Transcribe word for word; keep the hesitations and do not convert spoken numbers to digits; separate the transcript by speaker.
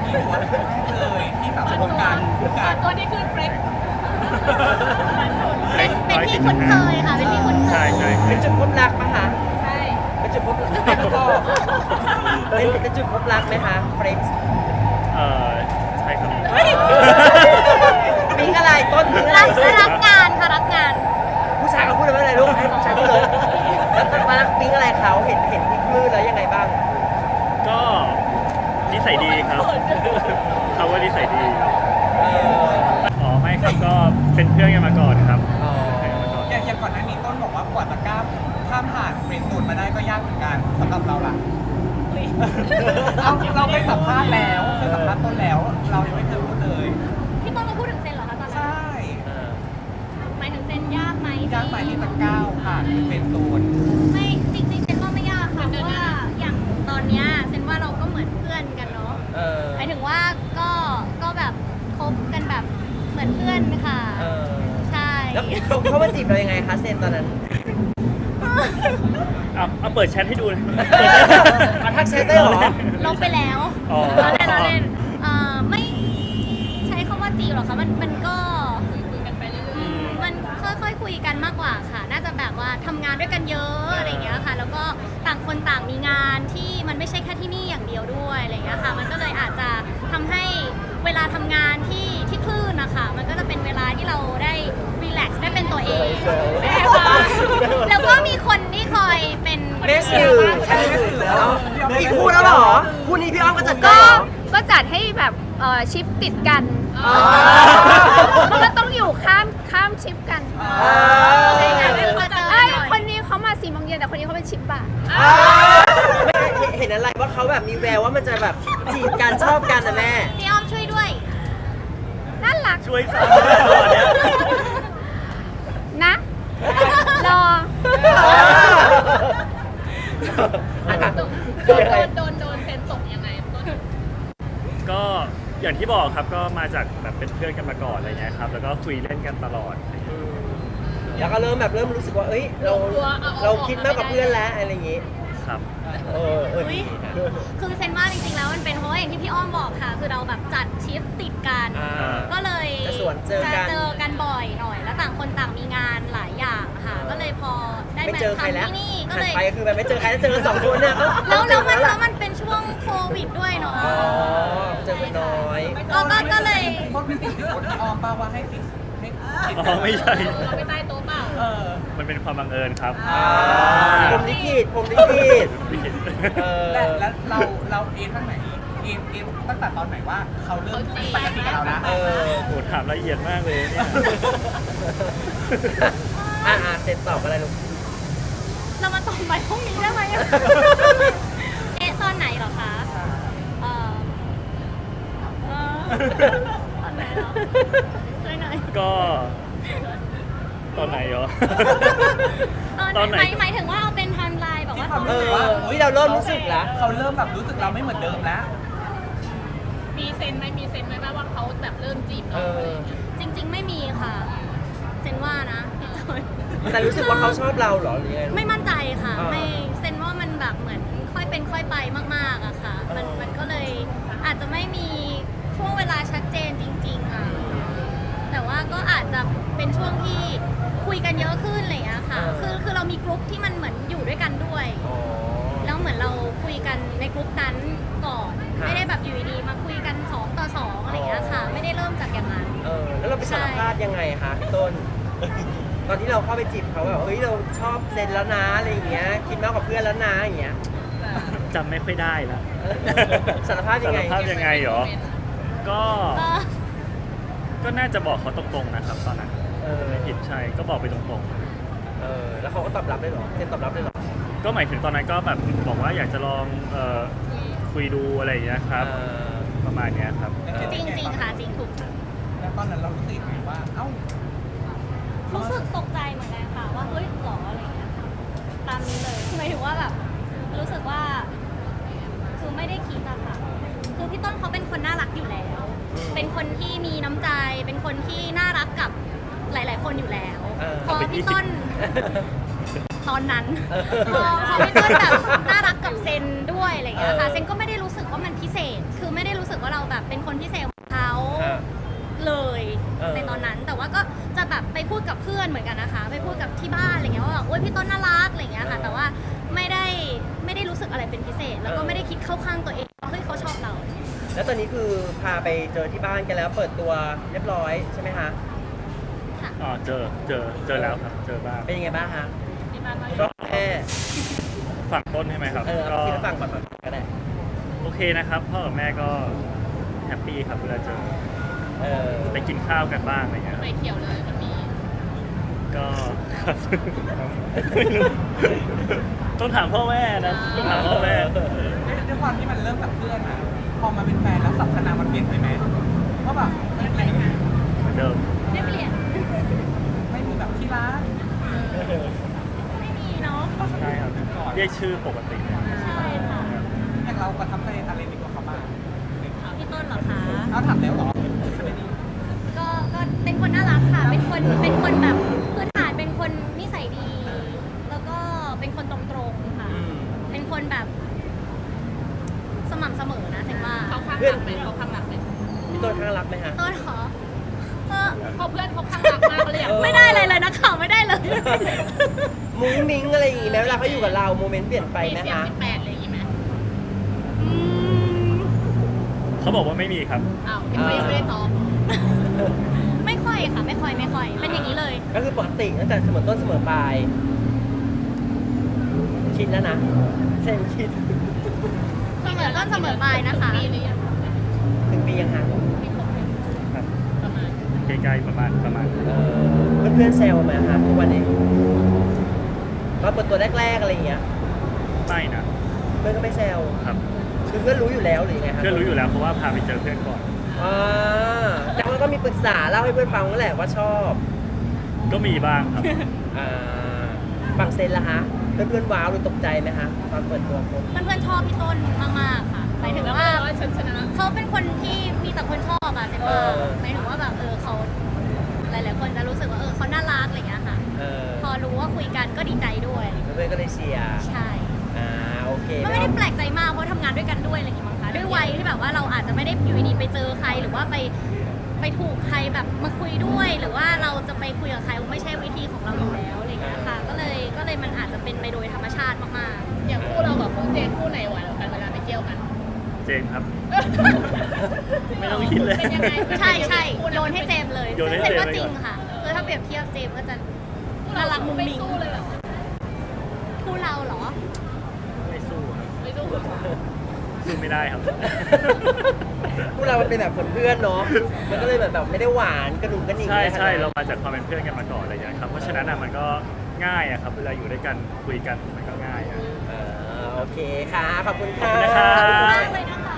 Speaker 1: เลยที่สามคนกันกัน
Speaker 2: ตัวนี้คือเฟรช
Speaker 3: เป็นเป็นที่คุ้นเคยค่ะเป็นที่คุ้นเคย
Speaker 4: ใช่ใช่
Speaker 5: เป็นจุดพบรักปะคะ
Speaker 2: ใช่
Speaker 5: เป็นจุดพบรักก็เป็นเป็นจุดพบรักไหมคะเฟรนช์
Speaker 4: เออใช่ครับ
Speaker 5: ปิ๊งอะไรต้นปิ๊งอะไร
Speaker 3: รักรักงานค่ะรักงาน
Speaker 5: ผู้ชายเขาพูดอะไรลูกให้ผู้ชายพูดเลยแล้วตอนมารักปิ๊งอะไรเขาเห็นเห็นที่คลื่นแล้วยังไงบ้าง
Speaker 4: ก็นิสัยดีครับเขาว่านิสัยดี
Speaker 5: เออ
Speaker 4: อ๋อไม่ครับก็เป็นเพื่อนกันมาก่อนครับ
Speaker 5: อ๋อ
Speaker 1: อย่างอย่างก่อนหน้านี้ต้นบอกว่ากว่าจะก้าวข้ามผ่านเฟรนด์โซนมาได้ก็ยากเหมือนกันสำหรับเราล่ะเราเราไปสัมภาษณ์แล้วเคยสัมภาษณ์ต้นแล้ว เรายังไม่เคยพูดเลย
Speaker 3: พี่ต้นมาพูดถึงเซนเหรอคะตอนนั้น
Speaker 1: ใช่
Speaker 5: เออ
Speaker 3: หมายถึงเซนยากไหม
Speaker 1: ยากไปที่จะก้าวผ่านเฟรนด์โซน
Speaker 3: ไม่จริงๆเซนว่าไม่ยากค่ะเพราะว่าอย่างตอนเนี้ยเซนว่าเราก็เหมือนเพื่อนกันเนาะ
Speaker 5: เออ
Speaker 3: หมายถึงว่าก็ก็แบบคบกันแบบเหมือนเพื่อนค่ะ
Speaker 5: เออ
Speaker 3: ใช่
Speaker 5: แล้วเขาเขามาจีบเรายังไงคะเซนตอนนั้น
Speaker 4: เอาเอาเปิดแชทให้ดูเลย
Speaker 5: มาทักแชทได้เหรอ
Speaker 3: ลบไปแล้ว
Speaker 4: อ๋อ
Speaker 3: เราเล่นเราเล่นเอ่อไม่ใช้คำว่าจีบหรอกคะมันมันก็
Speaker 2: คุยกันไปเรื่อย
Speaker 4: อืม
Speaker 3: มันค่อยๆคุยกันมากกว่าค่ะ น่าจะแบบว่าทำงานด้วยกันเยอะอะไรอย่างเงี้ยค่ะ แล้วก็ต่างคนต่างมีงานที่มันไม่ใช่แค่ที่นี่อย่างเดียวด้วยอะไรอย่างเงี้ยค่ะ มันก็เลยอาจจะทำให้เวลาทำงานที่ที่คลื่นนะคะมันก็จะเป็นเวลาที่เราได้รีแลกซ์ได้เป็นตัวเองแล้วก็มีคนที่คอยเป็น
Speaker 5: เมสสื่อใช่เมสสื่อแล้วอีกคู่แล้วเหรอคู่นี้พี่อ้อมก็จัดได้
Speaker 6: ก็
Speaker 5: เหรอ
Speaker 6: ก็จัดให้แบบเอ่อชิปติดกัน
Speaker 5: อ๋อ
Speaker 6: มันก็ต้องอยู่ข้ามข้ามชิปกัน
Speaker 5: อ่า
Speaker 3: ใช่ค่ะไม่พอเจอ
Speaker 6: ไอ้ย
Speaker 3: หน่อย
Speaker 6: คนนี้เขามาสี่โมงเย็นแต่คนนี้เขาเป็นชิปบ่าย
Speaker 5: อ่าไม่เห็นอะไรว่าเขาแบบมีแววว่ามันจะแบบจีบกันชอบกันนะแม่
Speaker 3: พี่อ้อมช่วยด้วย
Speaker 6: น่ารัก
Speaker 4: ช่วยฟังตอนเนี้ย
Speaker 6: นะ รอ
Speaker 2: ๆโดนโดนโดนเซนตกยังไงต้น
Speaker 4: ก็อย่างที่บอกครับก็มาจากแบบเป็นเพื่อนกันมาก่อนอะไรเงี้ยครับแล้วก็คุยเล่นกันตลอด
Speaker 5: แล้วก็เริ่มแบบเริ่มรู้สึกว่าเอ้ยเราเราคิดมากกว่าเพื่อนแล้วอะไรอย่างงี้
Speaker 4: ครับ
Speaker 5: เออเออ
Speaker 3: อุ๊
Speaker 5: ดี
Speaker 3: ย
Speaker 5: ค่ะ
Speaker 3: คือเซนว่าจริงๆแล้วมันเป็นเพราะว่าอย่างที่พี่อ้อมบอกค่ะ คือเราแบบจัดชิฟติดกัน
Speaker 5: อ่า
Speaker 3: ก็เลย
Speaker 5: จะสวนเจอกัน
Speaker 3: จะเจอกันบ่อยหน่อย แล้วต่างคนต่างมีงานหลายอย่างค่ะ ก็เลยพอได้
Speaker 5: ไม่
Speaker 3: มา
Speaker 5: เจอใครแล้ว
Speaker 3: ทำที่นี่ก็
Speaker 5: หัน
Speaker 3: เลย
Speaker 5: ไปคือแบบไม่เจอใครแล้วเจอกันสองคนเนี่ย
Speaker 3: แล้วแล้วมัน
Speaker 5: เจอ
Speaker 3: แล้ว
Speaker 5: ล่ะ
Speaker 3: มันเป็นช่วงโควิดด้วยเนาะ
Speaker 5: อ๋อเจอกันน้อย
Speaker 3: ก็ก็ก็เลย
Speaker 1: ต้นไม่ติดคนที่ออมป่าว่าให้ติดให้ติด
Speaker 4: อ๋อไม่ใช่
Speaker 2: เราไปใต้โต๊ะเปล่า
Speaker 1: เออ
Speaker 4: มันเป็นความบังเอิญครับ
Speaker 5: อ่าผมลิขิตผมลิขิต
Speaker 4: ไม่เห็น
Speaker 5: เออ
Speaker 1: และแล้วเราเราเอ็นท่านไหนเอ็นเอ็นตั้งแต่ตอนไหนว่าเขาเริ่มปกติกับเรานะ
Speaker 5: เออ
Speaker 4: โหถามละเอียดมากเลยเนี่ย
Speaker 5: อ่าอ่าเสร็จตอบอะไรลูก
Speaker 3: เรามาตอบไปพรุ่งนี้ได้ไหมอะเอ๊ะตอนไหนเหรอคะเอ่อเอ่อตอนไหนเหรอช่วยหน่อย
Speaker 4: ก็ตอนไหนเหรอ
Speaker 3: ต
Speaker 4: ต
Speaker 3: อ
Speaker 4: อน น
Speaker 3: ไห
Speaker 4: ไห
Speaker 3: น
Speaker 4: น
Speaker 3: หมายถึงว่าเอาเป็นไทม์ไลน์แบบว่าตอน
Speaker 5: เอ
Speaker 3: ไหน
Speaker 5: อวิเราเริ่มรู้สึกแล้ว
Speaker 1: เขาเริ่มแบบรู้สึกเราไม่เหมือนเดิมแล้ว
Speaker 2: มีเซนไหมมีเซนไหมว่าเขาแบบเริ่มจีบ
Speaker 5: เอ
Speaker 2: เราอะไร
Speaker 5: อ
Speaker 2: อย่างเงี้ย
Speaker 3: จริง ๆ ไม่มีค่ะเซนว่านะพี่จอย
Speaker 5: แต่รู้สึกว่าเขาชอบเราเหรอหรือยังไง
Speaker 3: ไม่มั่นใจค่ะ
Speaker 5: อ่า
Speaker 3: ไม่เซนว่ามันแบบเหมือนค่อยเป็นค่อยไปมากๆอะค่ะ มัน
Speaker 5: อ๋อ
Speaker 3: มันก็เลยอาจจะไม่มีช่วงเวลาชัดเจนจริงๆอะแต่ว่าก็อาจจะเป็นช่วงที่คุยกันเยอะขึ้นอะไรอย่างเงี้ยค่ะ คือคือเรามีกลุ่มที่มันเหมือนอยู่ด้วยกันด้วย
Speaker 5: อ๋อ
Speaker 3: แล้วเหมือนเราคุยกันในกลุ่มนั้นก่อน
Speaker 5: ค่ะ
Speaker 3: ไม่ได้แบบอยู่ดีๆมาคุยกันสองต่อสองอะไรอย่างเงี้ยค่ะ ไม่ได้เริ่มจากอย่างนั้น
Speaker 5: เออแล้วเราไปสารภาพยังไงคะพี่ต้น ตอนที่เราเข้าไปจีบเขาแบบเฮ้ยเราชอบเซนแล้วนะอะไรอย่างเงี้ยคิดมากกว่าเพื่อนแล้วนะอย่างเงี้ย
Speaker 4: จำไม่ค่อยได้ละ
Speaker 5: สารภาพยังไง
Speaker 4: สารภาพยังไงเหรอ ก็
Speaker 3: เออ
Speaker 4: ก็น่าจะบอกเขาตรงๆนะครับตอนนั้น
Speaker 5: เออ
Speaker 4: ไม่ผิดใช่ก็บอกไปตรง
Speaker 5: เออแล้วเขาก็ตอบรับได้เหรอเซนตอบรับได้เหรอ
Speaker 4: ๆ ก็หมายถึงตอนนั้นก็แบบบอกว่าอยากจะลองเอ่อคุยดูอะไรอย่างเงี้ยครับ
Speaker 5: เออ
Speaker 4: ประมาณเนี้ยครับ
Speaker 3: จริงจริงๆค่ะจริงถูก
Speaker 1: แล้วตอนนั้นเรารู้สึกยังไงว่า เอ้า
Speaker 3: รู้สึกตกใจเหมือนกันค่ะว่าเฮ้ยหรออะไรเงี้ยตามนี้เลยหมายถึงว่าแบบรู้สึกว่าคือไม่ได้คิดอะค่ะคือพี่ต้นเขาเป็นคนน่ารักอยู่แล้ว เป็นคนที่มีน้ำใจ เป็นคนที่น่ารักกับหลาย ๆ คนอยู่แล้ว
Speaker 5: เออ
Speaker 3: พอพี่ต้นตอนนั้น
Speaker 5: เออ
Speaker 3: พอพอพี่ต้นแบบน่ารักกับเซนด้วยอะไรเงี้ยค่ะ
Speaker 5: เออ
Speaker 3: เซนก็ไม่ได้รู้สึกว่ามันพิเศษคือไม่ไม่ได้รู้สึกว่าเราแบบเป็นคนพิเศษของเขา
Speaker 5: อ่า
Speaker 3: เลย
Speaker 5: เออ
Speaker 3: ในตอนนั้น แต่ว่าก็จะแบบไปพูดกับเพื่อนเหมือนกันนะคะ ไปพูดกับที่บ้านอะไรเงี้ยว่าแบบโอ๊ยพี่ต้นน่ารักอะไรเงี้ยค่ะ แต่ว่าไม่ได้ไม่ได้รู้สึกอะไรเป็นพิเศษ แล้วก็ไม่ได้คิดเข้าข้างตัวเองว่าเฮ้ยเขาชอบเรา
Speaker 5: แล้วตอนนี้คือพาไปเจอที่บ้านกันแล้วเปิดตัวเรียบร้อยใช่ไหมคะ
Speaker 3: ค่ะ
Speaker 4: อ๋อเจอเจอเจอแล้วครับเจอบ้าง
Speaker 5: เป็นยังไงบ้างฮะ
Speaker 2: ที่บ้านว่า
Speaker 5: ก็แม่
Speaker 4: ฝั่งต้นใช่ไหมครับ
Speaker 5: เออ
Speaker 4: ก็
Speaker 5: เอาที่ฟังก่อนก็ได้
Speaker 4: โอเคนะครับพ่อกับแม่ก็แฮปปี้ครับเวลาเจอ
Speaker 5: เออ
Speaker 4: ไปกินข้าวกันบ้างอะไรเงี้ยครับ
Speaker 2: ไปเขียวเลยมันมี
Speaker 4: ก็ครับไม่รู้ต้องถามพ่อแม่นะต้องถามพ่อแม่
Speaker 1: ด้วยความที่มันเริ่มจากเพื่อนอะพอมาเป็นแฟนแล้วสัพพนามมันเปลี่ยนไปไหมเพราะแบบไม่ไม่
Speaker 4: เหมือนเดิม
Speaker 3: ไม่เปลี่ยน
Speaker 1: ไม่มีแบบที่รัก
Speaker 3: ไม่มีเนาะ
Speaker 4: ใช่ครับเรียกชื่อปกติเลย
Speaker 3: ใช่ค่ะ
Speaker 1: อย่างเราประทับใจอะไรในตัวเขาบ้าง
Speaker 3: พี่ต้นเหรอคะ
Speaker 1: เอาถามแล้วเหรอไม่ดี
Speaker 3: ก็ก็เป็นคนน่ารักค่ะ เป็นคนเป็นคนแบบพื้นฐานเป็นคนนิสัยดี แล้วก็เป็นคนตรงๆค่ะ
Speaker 5: อืม
Speaker 3: เป็นคนแบบ สม่ำเสมอนะเซนว่า
Speaker 2: เขาข้างหลักไหมเขาข้างหลักไหม
Speaker 5: พี่ต้นข้างรักไหมฮะ
Speaker 3: ต้นเหรอเออ
Speaker 2: เขาเพื่อนเขาข้างหลักมากเลยอ่ะ
Speaker 5: เออ
Speaker 3: ไม่ได้เลยเลยนะข่าวไม่ได้เลย
Speaker 5: มุ้งมิ้งอะไรอย่างงี้ไหมเวลาเขาอยู่กับเราโมเมนต์เปลี่ยนไป
Speaker 2: มี
Speaker 5: ไหม
Speaker 2: เสียง
Speaker 5: คะ
Speaker 2: สิบแปดเลยอย่างงี้ไหม
Speaker 3: อืม
Speaker 4: เขาบอกว่าไม่มีครับ
Speaker 2: อ้าวยังไม่ยังไม่ได้ตอบ
Speaker 3: ไม่ค่อยค่ะ ไม่ค่อยไม่ค่อย เป็นอย่างนี้เลย
Speaker 5: ก็คือปกติตั้งแต่เสมอต้นเสมอปลายคิดแล้วนะเส้นคิด
Speaker 3: เสมอต้นเสมอปลายนะคะ
Speaker 2: ปีหรือยัง
Speaker 5: ถึงปียังห่าง
Speaker 2: ปีครบไหม
Speaker 4: ครับ
Speaker 2: ประมาณ
Speaker 4: ใกล้ๆประมาณประมาณ
Speaker 5: เออเพื่อนๆแซวไหมคะทุกวันนี้มาเปิดตัวแรกๆอะไรอย่างเงี้ย
Speaker 4: ไม่นะ
Speaker 5: เพื่อนก็ไม่แซว
Speaker 4: ครับ
Speaker 5: คือเพื่อนรู้อยู่แล้วหรือยังไงคะ
Speaker 4: เพื่อนรู้อยู่แล้วเพราะว่าพาไปเจอเพื่อนก่อน
Speaker 5: อ่าแต่ว่าก็มีปรึกษาเล่าให้เพื่อนฟังนั่นแหละว่าชอบ
Speaker 4: ก็มีบ้างครับ
Speaker 5: อ่าฟังเซนละฮะเพื่อนๆว้าวหรือตกใจไหมฮะตอนเปิดตัวคบ
Speaker 3: เพื่อนๆชอบพี่ต้นมากๆค่ะ หมายถึงว่า
Speaker 2: ว่าฉันชนะ
Speaker 3: เขาเป็นคนที่มีแต่คนชอบอะเซนว่า
Speaker 5: เออ
Speaker 3: หมายถึงว่าแบบเออเขาหลายๆคนจะรู้สึกว่าเออเขาน่ารักอะไรอย่างเงี้ยค่ะ
Speaker 5: เออ
Speaker 3: พอรู้ว่าคุยกันก็ดีใจด้วย
Speaker 5: เพื่อนๆก็เลยเชียร์
Speaker 3: ใช่
Speaker 5: อ่าโอเค
Speaker 3: ก็ไม่ได้แปลกใจมากเพราะทำงานด้วยกันด้วยอะไรอย่างเงี้ยมั้งคะด้วยวัยที่แบบว่าเราอาจจะไม่ได้อยู่ดีๆไปเจอใครหรือว่าไปไปถูกใครแบบมาคุยด้วย หรือว่าเราจะไปคุยกับใครไม่ใช่วิธีของเราอยู่แล้วอะไรอย่างเงี้ยค่ะ ก็เลยก็เลยมันอาจจะเป็นไปโดยธรรมชาติมาก
Speaker 2: อย่างคู่เรากับคู่เจนคู่ไหนหวานกว่ากันเวลาไปเที่ยวกัน
Speaker 4: เจมส์ครับ ไม่ต้องคิดเลย
Speaker 2: เป็นยังไง
Speaker 3: ๆ ใช่ใช่โยนให้เจมส์เลย
Speaker 4: โยนให้
Speaker 3: ซึ่งเจมส์
Speaker 4: เจมส์
Speaker 3: ก็จริง
Speaker 4: เลย
Speaker 3: ค่ะคือถ้าเปรียบเทียบเจมส์ก็จะ
Speaker 2: คู่
Speaker 3: น่า
Speaker 2: เรา
Speaker 3: รักมุ้ง
Speaker 2: ไม่
Speaker 3: มิ้ง
Speaker 2: สู้เลยแบบ
Speaker 3: คู่เราเหรอ
Speaker 4: ไม่สู้ครับ
Speaker 2: ไม่สู้
Speaker 4: สู้ไม่ได้ครับ
Speaker 5: พวกเรามันเป็นแบบเพื่อนๆเนาะมันก็เลยแบบแบบไม่ได้หวานกระหนุ่งกระหนิ่ง
Speaker 4: ใช่
Speaker 5: อะไรขนด
Speaker 4: ใช่
Speaker 5: นั้น
Speaker 4: เรามาจากความเป็นเพื่อนกันมาก่อนอะไรอย่างเงี้ยครับเพราะฉะนั้นอ่ะมันก็ง่ายอะครับเวลาอยู่ด้วยกันคุยกันมันก็ง่ายอะ
Speaker 5: เออโอเคค่ะ ขอบคุณ
Speaker 4: ขอบ
Speaker 5: ค่ะ
Speaker 4: คุณนะครับ
Speaker 3: มากเลยนะคะ